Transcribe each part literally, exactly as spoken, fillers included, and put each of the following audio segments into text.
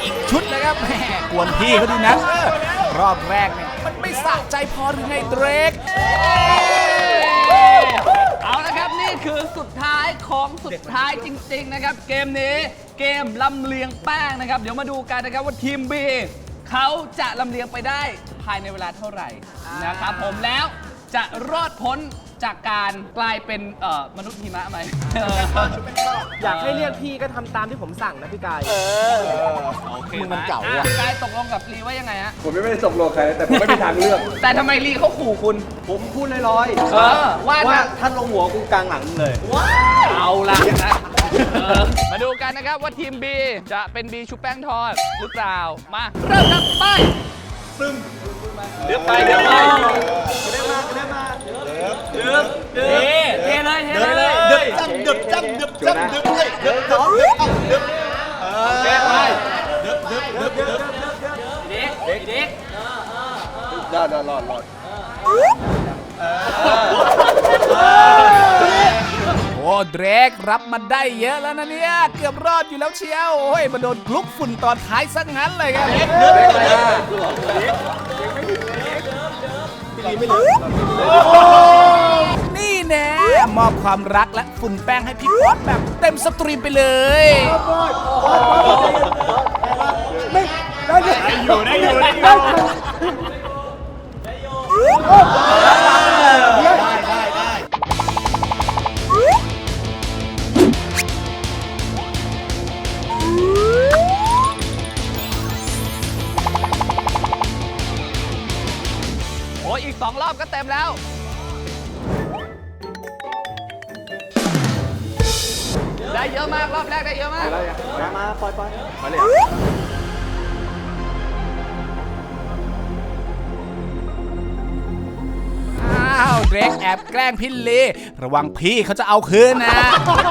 อีกชุดเลยครับแหมกวนพี่เขาดีนะรอบแรกเนี่ยมันไม่สะใจพอหรือไงเดรกเอาละครับนี่คือสุดท้ายของสุดท้ายจริงๆนะครับเกมนี้เกมลำเลียงแป้งนะครับเดี๋ยวมาดูกันนะครับว่าทีม B เขาจะลำเลียงไปได้ภายในเวลาเท่าไหร่นะครับผมแล้วจะรอดพ้นจากการกลายเป็นเอ่อมนุษย์หิมะไหมอยากให้เรียกพี่ก็ทำตามที่ผมสั่งนะพี่กายเออโอเคมันเก่าอ่ะพี่กายตกลงกับลีว่ายังไงฮะผมไม่ได้ตกลงใครแต่ผมไม่มีทางเลือกแต่ทำไมลีเขาขู่คุณผมพูดลอยๆเออว่าว่าท่านลงหัวกูกลางหลังเลยเอาละนะมาดูกันนะครับว่าทีม B จะเป็น B ชุบแป้งทอดหรือเปล่ามาเริ่มครับไปซึมเดือบไปเดือบไปเดือบมาเดือบมาเดือบเดือบเทเลยเทเลยเดือบจังเดือบจังเดือบจังเดือบเลยเดือบเดือบเดือบเดือบเดือบไปเดือบเดือบเดือบเดือบเด็กเด็กเด็กรอดรอดรอดรอดโอ้เดรกรับมาได้เยอะแล้วนะเนี่ยเกือบรอดอยู่แล้วเชียวโอ้ยมาโดนคลุกฝุ่นตอนท้ายซะงั้นเลยครับนี่แน่มอบความรักและฝุ่นแป้งให้พี่ป๊อตแบบเต็มสตรีมไปเลยไม่ได้อยู่ได้อยู่ได้อยู่โอ้ยอีกสองรอบก็เต็มแล้วได้เยอะมากรอบแรกได้เยอะมากมามาปล่อยปล่อยมาเลยอ้าวเดรกแอบแกล้งพี่ลีระวังพี่เขาจะเอาคืนนะ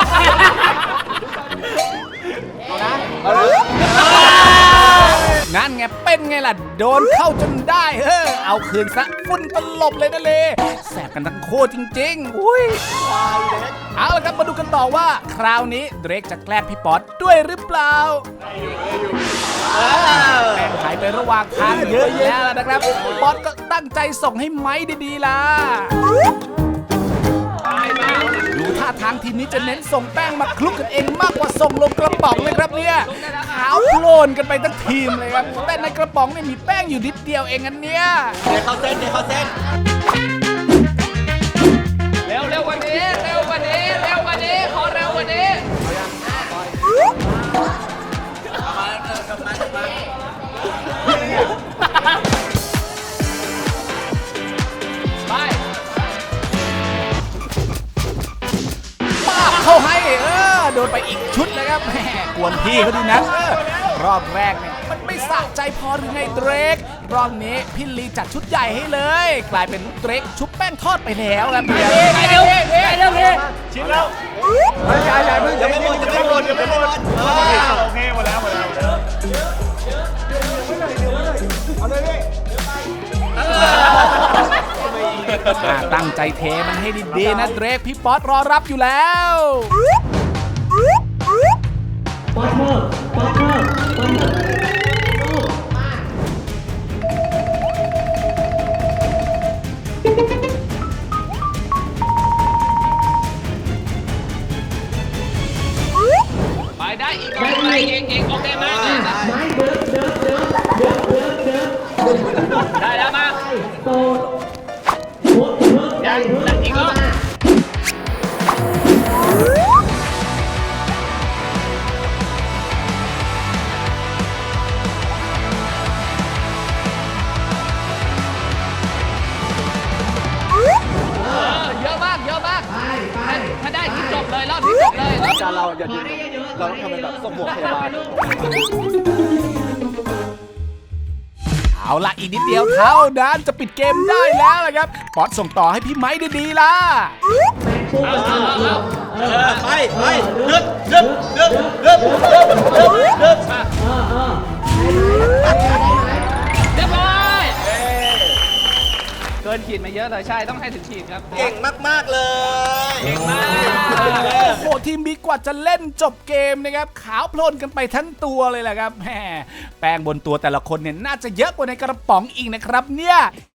งั้นไงเป็นไงล่ะโดนเข้าจนได้เออเอาคืนซะฝุ่นตลบเลยนะเลแสบกันทั้งโคตรจริงๆอุ้ยเอาละครับมาดูกันต่อว่าคราวนี้เดรกจะแกล้งพี่ป๊อตด้วยหรือเปล่าแป้งหายไประหว่างทางเยอะแยะแล้วนะครับป๊อตก็ตั้งใจส่งให้ไม้ดีๆล่ะดูท่าทางทีมนี้จะเน้นส่งแป้งมาคลุกกันเองมากกว่าส่งลงกระป๋องเลยครับเนี่ยขาวโพลนกันไปทั้งทีมเลยครับแต่ในกระป๋องเนี่ยมีแป้งอยู่นิดเดียวเองอันเนี้ยเดี๋ยวเขาเส้นเดี๋ยวเขาเส้นเร็วเร็วกว่านี้เร็วกว่านี้เร็วกว่านี้ขอเร็วกว่านี้ไปป้าเข้าให้เออโดนไปอีกชุดเลยครับแหมกวนพี่เขาดีนะรอบแรกเนี่ยมันไม่สะใจพอหรือไงเดรกรอบนี้พี่ลีจัดชุดใหญ่ให้เลยกลายเป็นเดรกชุบแป้งทอดไปแล้วครับไปเร็วไปเร็วพี่ชิมแล้วใหญ่ใหญ่มึงยังไม่หมดยังไม่หมดยังไม่หมดโอเคหมดแล้วหมดแล้วเอาเลยพี่ตั้งใจเทมันให้ดีๆนะเดรกพี่ป๊อตรอรับอยู่แล้วป๊อตเมอร์ป๊อตเมอร์ป๊อตเมอร์ไปได้อีกไปอีกอีกโอเคไหมไม่เดินเดินเดินเดินเดินเดินได้แล้วมายังอีกรอบเยอะมากเยอะมากถ้าได้ที่จบเลยรอบที่จบเลยจานเราอย่าดึงเราต้องทำเป็นแบบส่งหมวกพยาบาลเอาละอีกนิดเดียวเท่านั้นจะปิดเกมได้แล้วนะครับป๊อตส่งต่อให้พี่ไม้ดีๆล่ะไปไปเดือบเดือบเดือบเดือบเดือบเดือบเดือบเรียบร้อยเกินขีดมาเยอะเลยใช่ต้องให้ถึงขีดครับเก่งมากๆเลยโอ้โหทีทีมบีกว่าจะเล่นจบเกมนะครับขาวโพลนกันไปทั้งตัวเลยแหละครับแหมแป้งบนตัวแต่ละคนเนี่ยน่าจะเยอะกว่าในกระป๋องอีกนะครับเนี่ย